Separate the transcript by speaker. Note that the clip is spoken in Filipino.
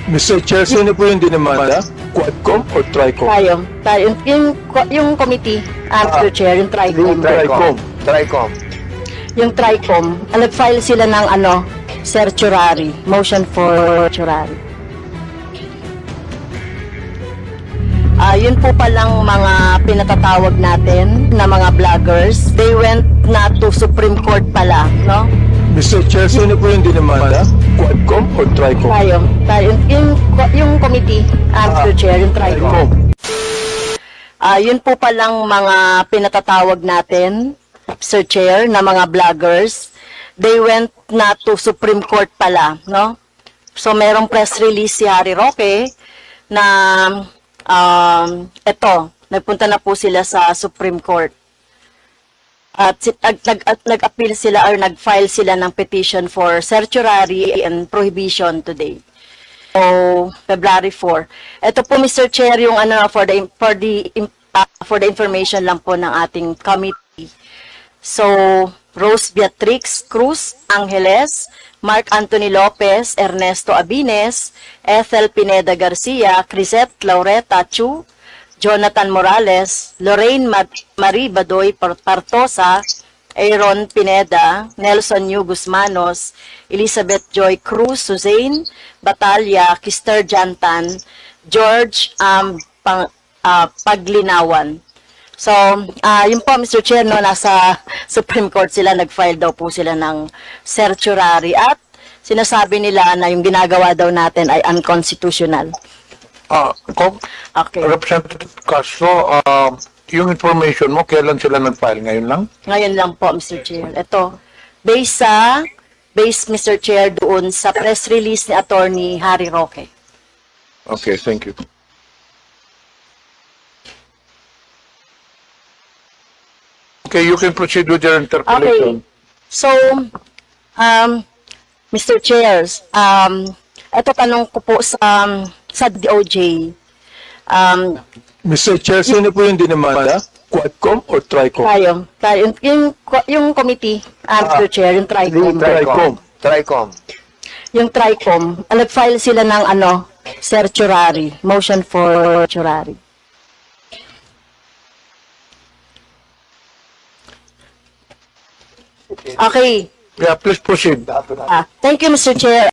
Speaker 1: Mr. Chair, sino po yung dinamanda? Quadcom or Tricom?
Speaker 2: Tayo. Yung committee, Mr. Chair, yung Tricom.
Speaker 1: Tricom.
Speaker 2: Yung Tricom, nag-file sila ng certiorari, motion for certiorari. Yun po palang mga pinatatawag natin na mga vloggers. They went na to Supreme Court pala, no?
Speaker 1: Mr. Chair, sino po yung dinamanda? Quadcom or Tricom?
Speaker 2: Tayo. Yung committee, Mr. Chair, yung Tricom. Yun po palang mga pinatatawag natin, Sir Chair, na mga vloggers. They went na to Supreme Court pala, no? So, merong press release si Harry Roque na nagpunta na po sila sa Supreme Court. At nag-appeal sila or nag-file sila ng petition for certiorari and prohibition today. So, February 4. Ito po, Mr. Chair, yung for the information lang po ng ating committee. So, Rose Beatrix Cruz Angeles, Mark Anthony Lopez, Ernesto Abines, Ethel Pineda Garcia, Crisette Laureta Chu, Jonathan Morales, Lorraine Marie Badoy Partosa, Aaron Pineda, Nelson Yu Guzmanos, Elizabeth Joy Cruz, Suzanne Batalya, Kister Jantan, George Paglinawan. So, yun po, Mr. Chair, no, nasa Supreme Court sila, nag-file daw po sila ng certiorari at sinasabi nila na yung ginagawa daw natin ay unconstitutional. Okay.
Speaker 3: Representative Castro, yung information mo, kailan sila nag-file? Ngayon lang?
Speaker 2: Ngayon lang po, Mr. Chair. Ito, based, Mr. Chair, doon sa press release ni Attorney Harry Roque.
Speaker 3: Okay, thank you. Okay, you can proceed with your interpellation.
Speaker 2: Okay. So, Mr. Chairs, ito tanong ko po sa DOJ.
Speaker 1: Mr. Chair, sino po yung dinamanda? Quadcom or Tricom?
Speaker 2: Tayo. Yung committee, Mr. Chair, yung Tricom. Yung Tricom, nag-file sila ng certiorari, motion for certiorari. Okay.
Speaker 3: Yeah, please proceed.
Speaker 2: Thank you, Mr. Chair.